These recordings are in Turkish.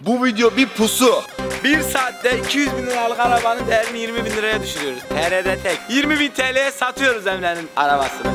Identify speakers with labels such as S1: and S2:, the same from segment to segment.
S1: Bu video bir pusu.
S2: 1 saatte 200 bin liralık arabanın değerini 20 bin liraya düşürüyoruz. TR'de tek. 20 bin TL'ye satıyoruz Emre'nin arabasını.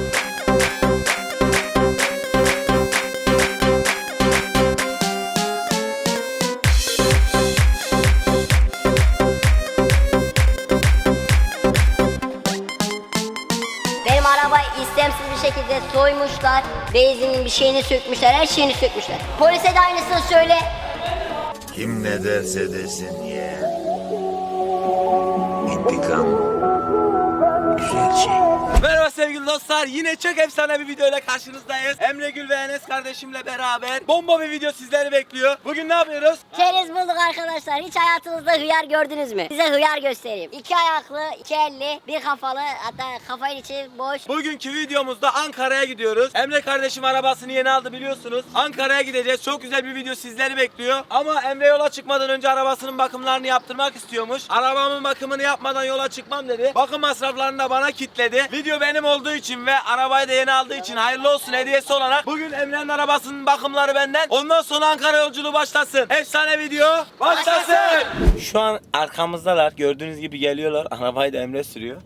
S3: Benim arabayı istemsiz bir şekilde soymuşlar. Benzinin bir şeyini sökmüşler, her şeyini sökmüşler. Polise de aynısını söyle.
S1: Kim ne derse desin ye. İntikam güzel şey.
S2: Merhaba sevgili dostlar, yine çok efsane bir videoyla karşınızdayız. Emre Gül ve Enes kardeşimle beraber bomba bir video sizleri bekliyor. Bugün ne yapıyoruz?
S3: Çerez bulduk arkadaşlar. Hiç hayatınızda hıyar gördünüz mü? Size hıyar göstereyim. 2 ayaklı, 2 elli, bir kafalı, hatta kafayın içi boş.
S2: Bugünkü videomuzda Ankara'ya gidiyoruz. Emre kardeşim arabasını yeni aldı biliyorsunuz. Ankara'ya gideceğiz. Çok güzel bir video sizleri bekliyor. Ama Emre yola çıkmadan önce arabasının bakımlarını yaptırmak istiyormuş. Arabamın bakımını yapmadan yola çıkmam dedi. Bakım masraflarını da bana kitledi. Video benim olduğu için ve arabayı da yeni aldığı için hayırlı olsun hediyesi olarak bugün Emre'nin arabasının bakımları benden. Ondan sonra Ankara yolculuğu başlasın. Efsane video başlasın. Şu an arkamızdalar. Gördüğünüz gibi geliyorlar. Arabayı da Emre sürüyor.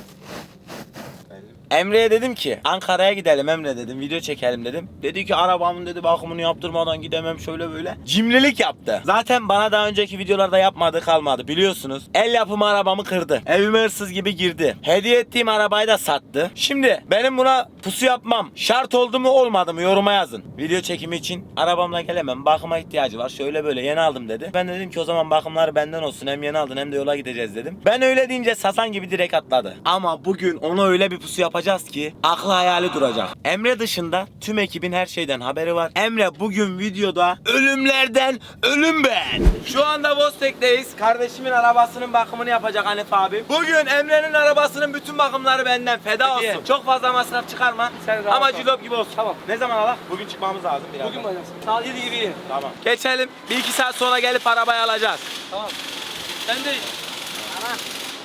S2: Emre'ye dedim ki Ankara'ya gidelim Emre dedim, video çekelim dedim. Dedi ki arabamın dedi bakımını yaptırmadan gidemem, şöyle böyle. Cimrilik yaptı. Zaten bana daha önceki videolarda yapmadığı kalmadı biliyorsunuz. El yapımı arabamı kırdı. Evime hırsız gibi girdi. Hediye ettiğim arabayı da sattı. Şimdi benim buna pusu yapmam şart oldu mu olmadı mı yoruma yazın. Video çekimi için arabamla gelemem, bakıma ihtiyacı var, şöyle böyle yeni aldım dedi. Ben de dedim ki o zaman bakımları benden olsun, hem yeni aldın hem de yola gideceğiz dedim. Ben öyle deyince sasan gibi direkt atladı. Ama bugün ona öyle bir pusu yapacağız ki aklı hayali duracak. Emre dışında tüm ekibin her şeyden haberi var. Emre bugün videoda ölümlerden ölüm ben. Şu anda Bostek'teyiz. Kardeşimin arabasının bakımını yapacak Hanif abi. Bugün Emre'nin arabasının bütün bakımları benden, feda olsun. Çok fazla masraf çıkarma. Ama cillop gibi olsun. Tamam. Ne zaman alak? Bugün çıkmamız lazım biraz.
S4: Bugün bayram. Saat 7 gibi.
S2: Tamam. Geçelim. 1-2 saat sonra gelip arabayı alacağız.
S4: Tamam. Ben de
S3: Tamam.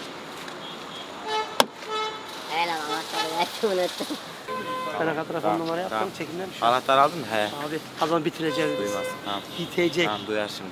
S3: Helal anahtarı verdim, unuttum.
S4: ben arka telefon numara yaptım.
S2: Tamam.
S4: Çekimden bir şey.
S2: Anahtar aldın mı? He.
S4: Abi adam bitireceğiz biz.
S2: Duymaz. Tamam.
S4: Bitecek.
S2: Tamam duyar şimdi.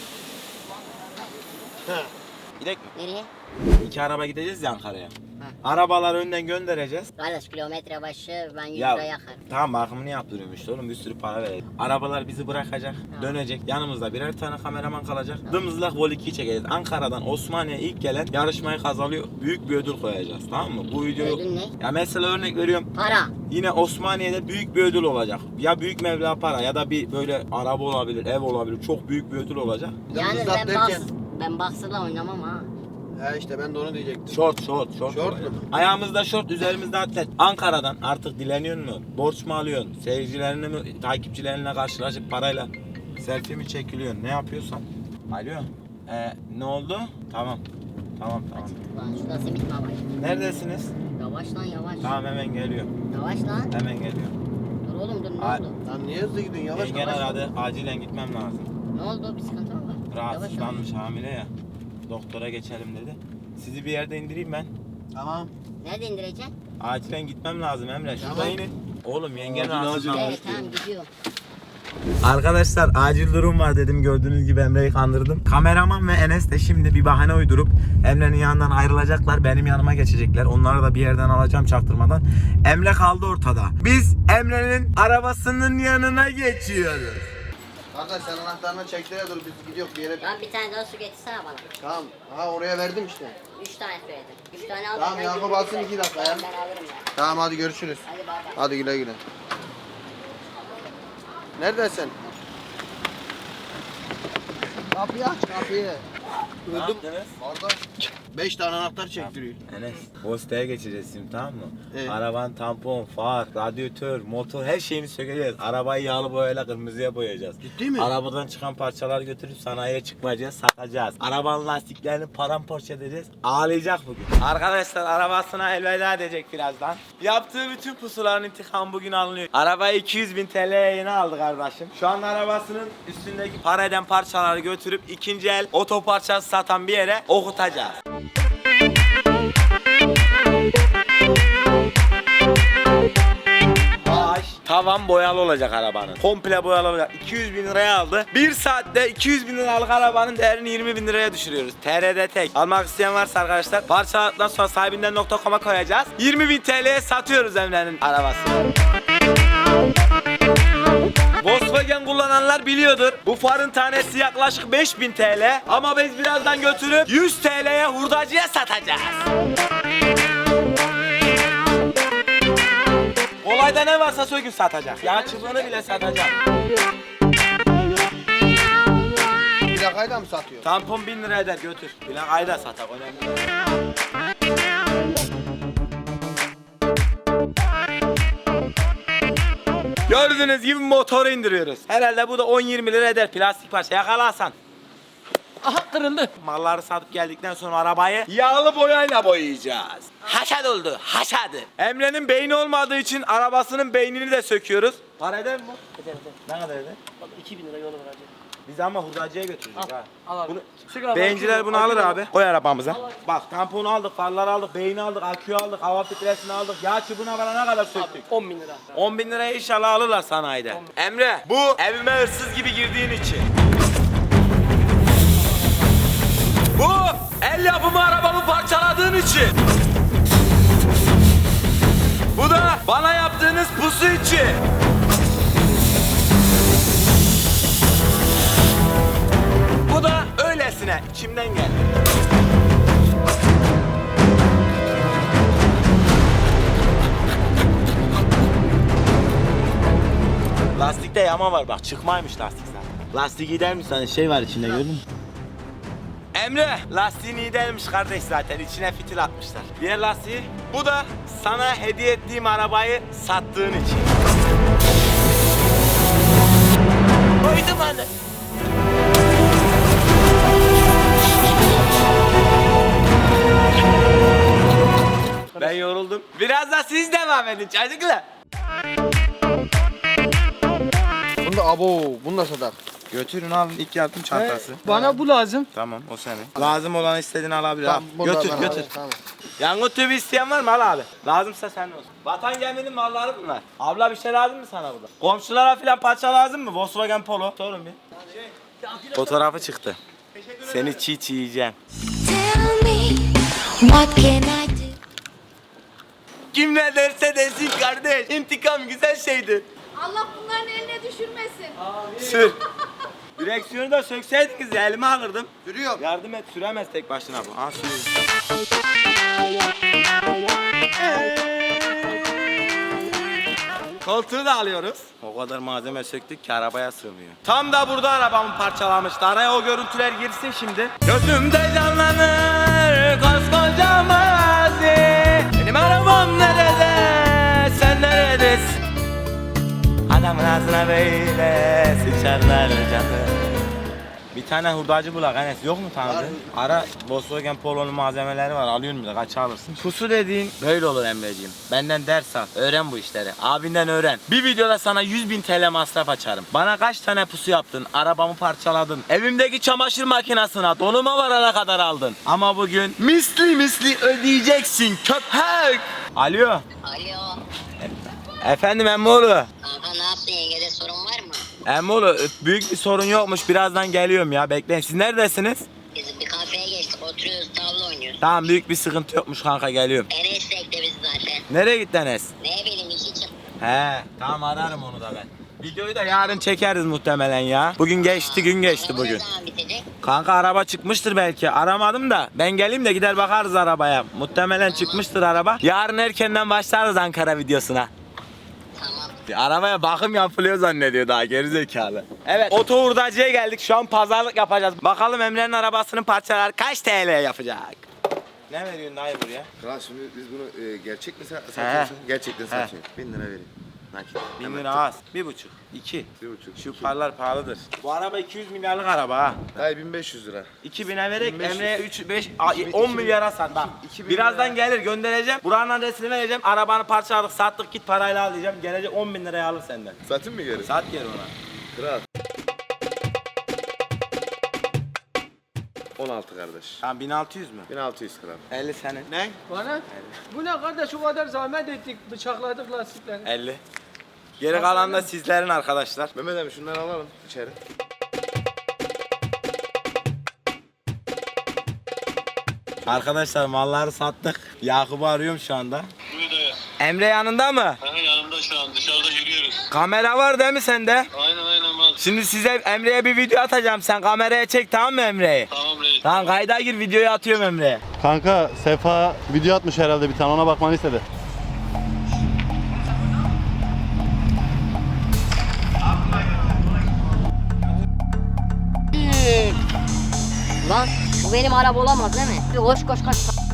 S2: Gidek mi?
S3: Nereye?
S2: 2 araba gideceğiz ya Ankara'ya. Arabaları önden göndereceğiz.
S3: Kardeş kilometre başı ben 100
S2: Ya
S3: lira yakarım.
S2: tamam bakımını yaptırıyorum işte oğlum, bir sürü para verelim. Arabalar bizi bırakacak, dönecek. Yanımızda birer tane kameraman kalacak. Dımızlak Vol 2'yi çekeceğiz. Ankara'dan Osmaniye'ye ilk gelen yarışmayı kazanıyor. Büyük bir ödül koyacağız, tamam mı? Bu videoyu...
S3: Ödül ne?
S2: Ya mesela örnek veriyorum.
S3: Para.
S2: Yine Osmaniye'de büyük bir ödül olacak. Ya büyük meblağ para ya da bir böyle araba olabilir, ev olabilir. Çok büyük bir ödül olacak.
S3: Yani
S5: Zat
S3: ben boxer'la oynamam ha.
S5: He işte ben de onu diyecektim.
S2: Short
S5: Short
S2: olacak.
S5: mu?
S2: Ayağımızda short, üzerimizde atlet. Ankara'dan artık dileniyor mu? Borç mu alıyorsun? Seyircilerine mi, takipçilerine karşılaşıp parayla selfie mi çekiliyorsun? Ne yapıyorsan. Alo. Ne oldu? Tamam. Tamam.
S3: Lan şurada simit mi var?
S2: Neredesiniz?
S3: Yavaş lan yavaş.
S2: Tamam hemen geliyorum.
S3: Yavaş lan.
S2: Hemen geliyorum.
S3: Dur oğlum dur ne
S2: Ay.
S3: oldu?
S5: Lan niye hızlı gidiyorsun yavaş
S2: Yengen
S5: yavaş.
S2: aradı. Acilen gitmem lazım.
S3: Ne oldu bir sıkıntı mı var?
S2: Rahatsızlanmış, hamile ya. Doktora geçelim dedi. Sizi bir yerde indireyim ben.
S5: Tamam.
S3: Nerede indireceksin?
S2: Acilen gitmem lazım Emre. Şurada
S5: Tamam.
S2: inin. Oğlum yengen
S5: Acil,
S2: rahatsızlanmış.
S3: Evet tamam gidiyor.
S2: Arkadaşlar acil durum var dedim, gördüğünüz gibi Emre'yi kandırdım. Kameraman ve Enes de şimdi bir bahane uydurup Emre'nin yanından ayrılacaklar, benim yanıma geçecekler. Onları da bir yerden alacağım çaktırmadan. Emre kaldı ortada. Biz Emre'nin arabasının yanına geçiyoruz.
S5: Kardeş sen anahtarını çektir dur biz gidiyoruz bir yere.
S3: Lan bir tane daha su getirsene bana.
S5: Tamam. Ha oraya verdim işte.
S3: 3 tane söyledim. 3 tane aldım.
S5: Tamam Yakup alsın 2 dakika ya.
S3: Ben alırım ya.
S5: Tamam hadi görüşürüz.
S3: Hadi bay bay.
S5: Hadi güle güle. Neredesin? Kapıyı aç kapıyı.
S2: Ne
S5: Öldüm.
S2: yaptınız?
S5: Orada 5 tane anahtar çektiriyor.
S2: Enes, Bostek'e geçeceğiz şimdi, tamam mı?
S5: Evet.
S2: Arabanın tampon, far, radyatör, motor her şeyini sökeceğiz. Arabayı yağlı boyayla kırmızıya boyayacağız.
S5: Ciddi mi?
S2: Arabadan çıkan parçalar götürüp sanayiye çıkmayacağız, satacağız. Arabanın lastiklerini paramparça edeceğiz. Ağlayacak bugün. Arkadaşlar arabasına elveda edecek birazdan. Yaptığı bütün pusuların intikamı bugün alınıyor. Arabayı 200.000 TL'ye yeni aldı kardeşim. Şu an arabasının üstündeki para eden parçaları götürüp ikinci el otoparçası satan bir yere okutacağız. Tavan boyalı olacak arabanın. Komple boyalı olacak. 200 bin liraya aldı. 1 saatte 200 bin liralık arabanın değerini 20 bin liraya düşürüyoruz. TRD tek. Almak isteyen varsa arkadaşlar parçaladıktan sonra sahibinden.com'a koyacağız. 20 bin TL'ye satıyoruz Emre'nin arabasını. Volkswagen kullananlar biliyordur. Bu farın tanesi yaklaşık 5000 TL. Ama biz birazdan götürüp 100 TL'ye hurdacıya satacağız. Olayda ne varsa söküp satacak. Yağ çubuğunu bile satacak.
S5: Plakayı da mı satıyor?
S2: Tampon 1000 lira eder, götür. Plakayı da satak, önemli değil. Gördüğünüz gibi motoru indiriyoruz. Herhalde bu da 10-20 lira eder, plastik parça. Yakalasan.
S4: Aha kırıldı.
S2: Malları satıp geldikten sonra arabayı yağlı boyayla boyayacağız. Haşad oldu, haşad. Emre'nin beyni olmadığı için arabasının beynini de söküyoruz. Para eder mi bu?
S4: Eder.
S2: Ne kadar eder?
S4: Bak 2000 lira yolu var.
S2: Biz ama hurdacıya götüreceğiz ha.
S4: Al abi.
S2: Bunu,
S4: Çık abi,
S2: beyinciler bunu alır abi. Koy arabamıza.
S4: Al.
S2: Bak tamponu aldık, farları aldık, beyni aldık, aküyü aldık, hava filtresini aldık, yağ çubuğuna varana kadar söktük.
S4: 10 bin lira.
S2: 10 bin liraya inşallah alırlar sanayide. Emre, bu evime hırsız gibi girdiğin için. Bu el yapımı arabamı parçaladığın için. Bu da bana yaptığınız pusu için. Bu da öylesine içimden geldi. Lastikte yama var bak, çıkmaymış lastik zaten. Lastik gider mi sana, şey var içinde gördün mü? Emre, lastiğin iyi değilmiş kardeş zaten, içine fitil atmışlar. Diğer lastiği, bu da sana hediye ettiğim arabayı sattığın için. Koydum hani. Ben yoruldum. Biraz da siz devam edin çocuklar.
S5: Bunu da bunu da satar.
S2: Götürün alın, ilk yardım çantası.
S4: Bana bu lazım.
S2: Tamam, o senin. Lazım olan istediğini alabilir abi.
S5: bunu da
S2: Götür,
S5: ben
S2: götür.
S5: alayım, tamam.
S2: Yangın tübü isteyen var mı? Al abi. Lazımsa senin olsun. Vatan geminin malları bunlar. Abla bir şey lazım mı sana burada? Komşulara filan parça lazım mı? Volkswagen Polo. Sorun bir. Fotoğrafı çıktı. Seni çiğ çiğ yiyeceğim.
S6: Tell me, what can I do?
S2: Kim ne derse desin kardeş. İntikam güzel şeydir.
S7: Allah bunların eline düşürmesin.
S2: Sür. Direksiyonu da sökseydiniz ya, elime alırdım.
S5: Sürüyor.
S2: Yardım et, süremez tek başına bu. Ha sürüyor. Koltuğu da alıyoruz. O kadar malzeme söktük ki arabaya sığmıyor. Tam da burada arabamı parçalamıştı. Araya o görüntüler girsin şimdi. Gözümde canlanır koskoca mazi. Benim arabam nerede? Sen neredesin? Adamın ağzına böyle sıçarlar canım. Bir tane hurdacı bulak Enes, yok mu tanıdığın? Ara, Volkswagen Polo'nun malzemeleri var, alıyorsun bile, kaça alırsın? Pusu dediğin böyle olur Emreciğim. Benden ders al, öğren bu işleri. Abinden öğren. Bir videoda sana 100.000 TL masraf açarım. Bana kaç tane pusu yaptın, arabamı parçaladın, evimdeki çamaşır makinesine donuma varana kadar aldın. Ama bugün misli ödeyeceksin köpek. Alo.
S3: Alo.
S2: Efendim Emmoğlu.
S3: Kanka ne yaptın, yengede sorun var mı?
S2: Emmoğlu, büyük bir sorun yokmuş, birazdan geliyorum ya, bekleyin. Siz neredesiniz?
S3: Biz bir kafeye geçtik, oturuyoruz, tavla oynuyoruz.
S2: Tamam, büyük bir sıkıntı yokmuş kanka, geliyorum.
S3: Enes bekle bizi zaten.
S2: Nereye gitti Enes?
S3: Ne bileyim, işi çıktı.
S2: He, tamam, ararım onu da ben. Videoyu da yarın çekeriz muhtemelen ya. Bugün geçti, gün geçti
S3: Araba
S2: bugün.
S3: ne zaman bitecek?
S2: Kanka araba çıkmıştır belki, aramadım da. Ben geleyim de gider bakarız arabaya. Muhtemelen çıkmıştır araba. Yarın erkenden başlarız Ankara videosuna.
S3: Tamam.
S2: Arabaya bakım yapılıyor zannediyor daha, gerizekalı. Evet, oto hurdacıya geldik, şu an pazarlık yapacağız. Bakalım Emre'nin arabasının parçaları kaç TL yapacak? Ne veriyorsun dayı buraya?
S1: Kral şimdi biz bunu gerçek mi
S2: satıyorsun?
S1: satıyorsun? Gerçekten satıyorsun. 1000 lira vereyim. Nakit.
S2: 1000 lira az. 1,5. 2.
S1: 1,5.
S2: Şu parlar pahalıdır. Bu araba 200 milyarlık araba ha.
S1: Dayı 1500 lira.
S2: 2000'e vererek
S1: 1500.
S2: Emre'ye 3, 5, 10 milyara sat. Bak,
S1: 2000
S2: birazdan
S1: lira.
S2: gelir, göndereceğim. Buranın adresini vereceğim. Arabanı parçaladık, sattık, git parayla al diyeceğim. Gelecek 10 bin liraya alır senden.
S1: Satın mı geri?
S2: Sat geri ona.
S1: Kral. 16 kardeş.
S2: Tamam, 1600 mü?
S1: 1600 kral.
S2: 50 senin.
S5: Ne?
S4: Bana? Bu ne kardeş, o kadar zahmet ettik, bıçakladık lastikleri.
S2: 50. Geri kalan da sizlerin arkadaşlar.
S1: Mehmet abi şunları alalım içeri.
S2: Arkadaşlar malları sattık. Yakup'u arıyorum şu anda.
S8: Buyur dayı.
S2: Emre yanında mı?
S8: Aha, yanımda şu an dışarıda yürüyoruz.
S2: Kamera var değil mi sende?
S8: Aynen var.
S2: Şimdi size Emre'ye bir video atacağım. Sen kameraya çek, tamam mı Emre'yi?
S8: Tamam reis.
S2: Tamam, kayda gir, videoyu atıyorum Emre'ye.
S9: Kanka Sefa video atmış herhalde bir tane, ona bakmanı istedi.
S3: Lan bu benim araba olamaz değil mi? Bir koş koş koş.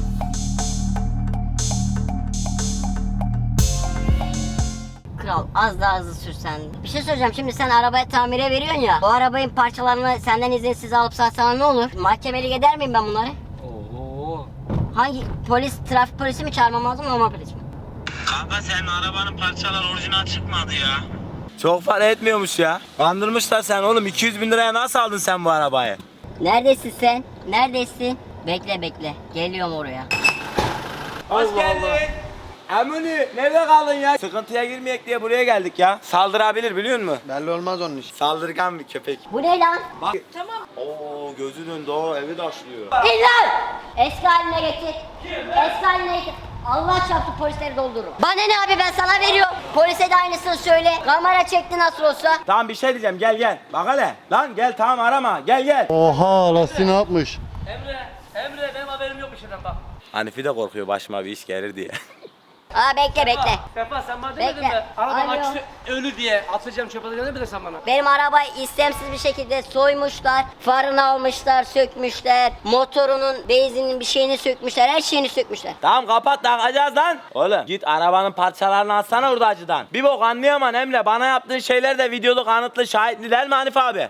S3: Kral az daha hızlı sürsen. Bir şey söyleyeceğim, şimdi sen arabayı tamire veriyorsun ya. Bu arabanın parçalarını senden izinsiz alıp satsan ne olur? Mahkemelik eder miyim ben bunları?
S4: Oo.
S3: Hangi polis, trafik polisi mi çağırmam lazım, normal polis mi?
S2: Kanka senin arabanın parçaları orijinal çıkmadı ya. Çok para etmiyormuş ya. Kandırmışlar sen oğlum. 200 bin liraya nasıl aldın sen bu arabayı?
S3: Neredesin sen? Neredesin? Bekle bekle. Geliyorum oraya.
S2: Hoş geldin. Emuni nerede kaldın ya? Sıkıntıya girmeyek diye buraya geldik ya. Saldırabilir biliyor musun?
S5: Belli olmaz onun işi.
S2: Saldırgan bir köpek.
S3: Bu ne lan?
S2: Bak. Tamam. Oo gözü döndü, o evi taşlıyor.
S3: İlan! Eski haline getir. Eski haline getir. Allah çarptı, polisleri doldururum. Bana ne abi, ben sana veriyorum. Polise de aynısını söyle. Kamera çekti nasıl olsa.
S2: Tamam bir şey diyeceğim, gel. Bak hele. Lan gel, tamam arama, gel.
S9: Oha, lastiği ne yapmış?
S4: Emre benim haberim yok bir şeyden bak.
S2: Hanifi de korkuyor başıma bir iş gelir diye.
S3: Aa bekle.
S4: Sefa sen bana demedin
S3: Bekle.
S4: mi? Araba
S3: Alo.
S4: aküsü ölü diye atacağım çöpe atacağım, ne bilirsin sen bana?
S3: Benim arabayı istemsiz bir şekilde soymuşlar. Farını almışlar, sökmüşler. Motorunun, benzinin bir şeyini sökmüşler. Her şeyini sökmüşler.
S2: Tamam kapat, takacağız lan. Oğlum git arabanın parçalarını alsana hurdacıdan. Bir bok anlayamam Emre. Bana yaptığın şeyler de videolu, kanıtlı, şahitli değil mi Hanif abi?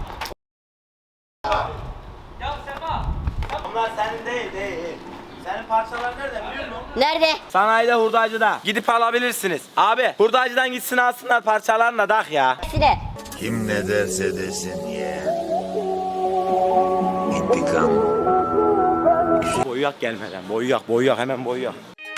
S4: Ya Sefa.
S2: Bunlar senin değil. Senin parçalar nerede biliyor musun?
S3: Nerede?
S2: Sanayide, hurdacıda. Gidip alabilirsiniz. Abi hurdacıdan gitsin alsınlar parçalarını da ya.
S3: Hepsine.
S1: Kim ne derse desin ye. İntikam.
S2: Boyuyak gelmeden. Boyuyak hemen boyuyak.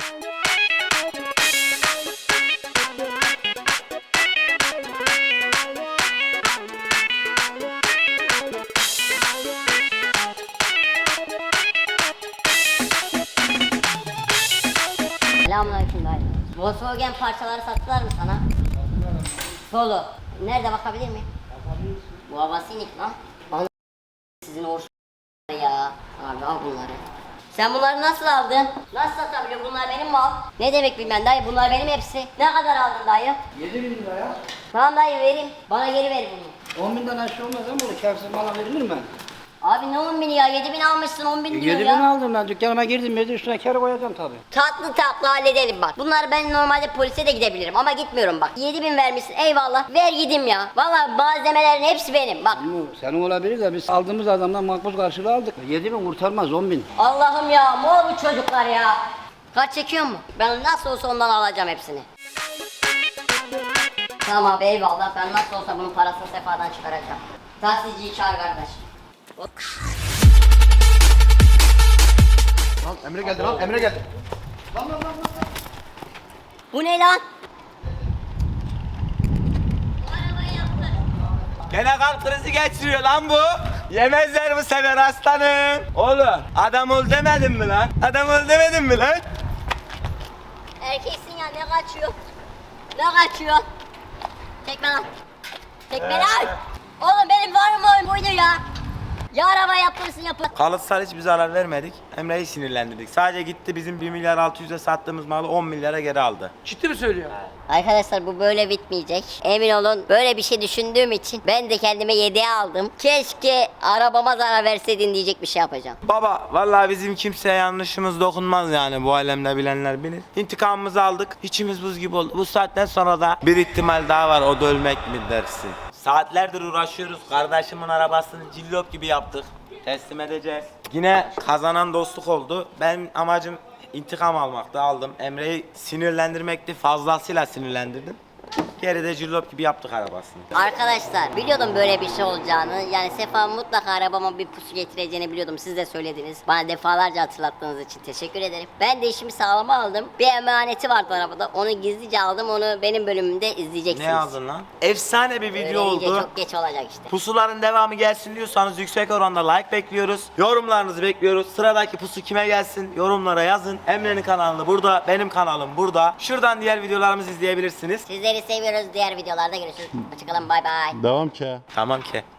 S3: Selamünaleyküm dayı. Volkswagen parçaları sattılar mı sana? Polo. Nerede, bakabilir miyim? Bu havasinik lan. Bana sizin hoş ya. Abi al bunları. Sen bunları nasıl aldın? Nasıl satabiliyorsun? Bunlar benim mal. Ne demek bilmem dayı, bunlar benim hepsi. Ne kadar aldın dayı?
S10: 7.000 lira ya.
S3: Tamam dayı, vereyim. Bana geri ver bunu.
S10: 10.000'den aşağı olmaz ama bunu kârsız mala verilir mi?
S3: Abi ne 10 bini ya? 7 bin almışsın, 10 bin diyor
S10: 7.000
S3: ya.
S10: aldım ben, dükkanıma girdim, üstüne kâr koyacağım tabii.
S3: Tatlı halledelim bak. Bunlar, ben normalde polise de gidebilirim ama gitmiyorum bak. 7 bin vermişsin, eyvallah. Ver gideyim ya. Valla malzemelerin hepsi benim bak.
S10: Bu senin olabilir de biz aldığımız adamdan makbuz karşılığı aldık. 7.000 kurtarmaz, 10.000.
S3: Allah'ım ya, mor bu çocuklar ya. Kaç çekiyor mu? Ben nasıl olsa ondan alacağım hepsini. Tamam abi, eyvallah. Ben nasıl olsa bunun parasını Sefa'dan çıkaracağım. Taksiciyi çağır kardeş. Hop.
S5: Lan Emre geldi lan, Emre geldi.
S3: Bu ne lan?
S2: Gene kalp krizi geçiriyor lan bu. Yemezler bu sefer aslanım. Oğlum adam ol demedim mi lan? Adam ol demedim mi lan?
S3: Erkeksin ya, ne kaçıyor? Ne kaçıyor? Tekme lan. Tekme lan. Oğlum benim varım oyun buydu ya. Ya araba yaptırırsın yapın.
S2: Kalıtsal hiçbir zarar vermedik. Emre'yi sinirlendirdik. Sadece gitti bizim 1 milyar 600'e sattığımız malı 10 milyara geri aldı.
S4: Ciddi mi söylüyor?
S3: Arkadaşlar bu böyle bitmeyecek. Emin olun, böyle bir şey düşündüğüm için ben de kendime 7'ye aldım. Keşke arabama zarar verseydin diyecek bir şey yapacağım.
S2: Baba vallahi bizim kimseye yanlışımız dokunmaz yani, bu alemde bilenler bilir. İntikamımızı aldık. İçimiz buz gibi oldu. Bu saatten sonra da bir ihtimal daha var, o da ölmek mi dersin? Saatlerdir uğraşıyoruz. Kardeşimin arabasını cillop gibi yaptık. Teslim edeceğiz. Yine kazanan dostluk oldu. Benim amacım intikam almaktı, aldım. Emre'yi sinirlendirmekti. Fazlasıyla sinirlendirdim. Geride cillop gibi yaptık arabasını.
S3: Arkadaşlar biliyordum böyle bir şey olacağını. Yani Sefa mutlaka arabama bir pusu getireceğini biliyordum. Siz de söylediniz. Bana defalarca hatırlattığınız için teşekkür ederim. Ben de işimi sağlama aldım. Bir emaneti vardı arabada. Onu gizlice aldım. Onu benim bölümümde izleyeceksiniz.
S2: Ne aldın lan? Efsane bir video
S3: Öğrenince
S2: oldu.
S3: çok geç olacak işte.
S2: Pusuların devamı gelsin diyorsanız yüksek oranda like bekliyoruz. Yorumlarınızı bekliyoruz. Sıradaki pusu kime gelsin? Yorumlara yazın. Emre'nin kanalı burada, benim kanalım burada. Şuradan diğer videolarımızı izleyebilirsiniz.
S3: Sizleri seviyoruz. Diğer videolarda görüşürüz. Hoşçakalın. Bay bay.
S9: Devam ki.
S2: Tamam ki.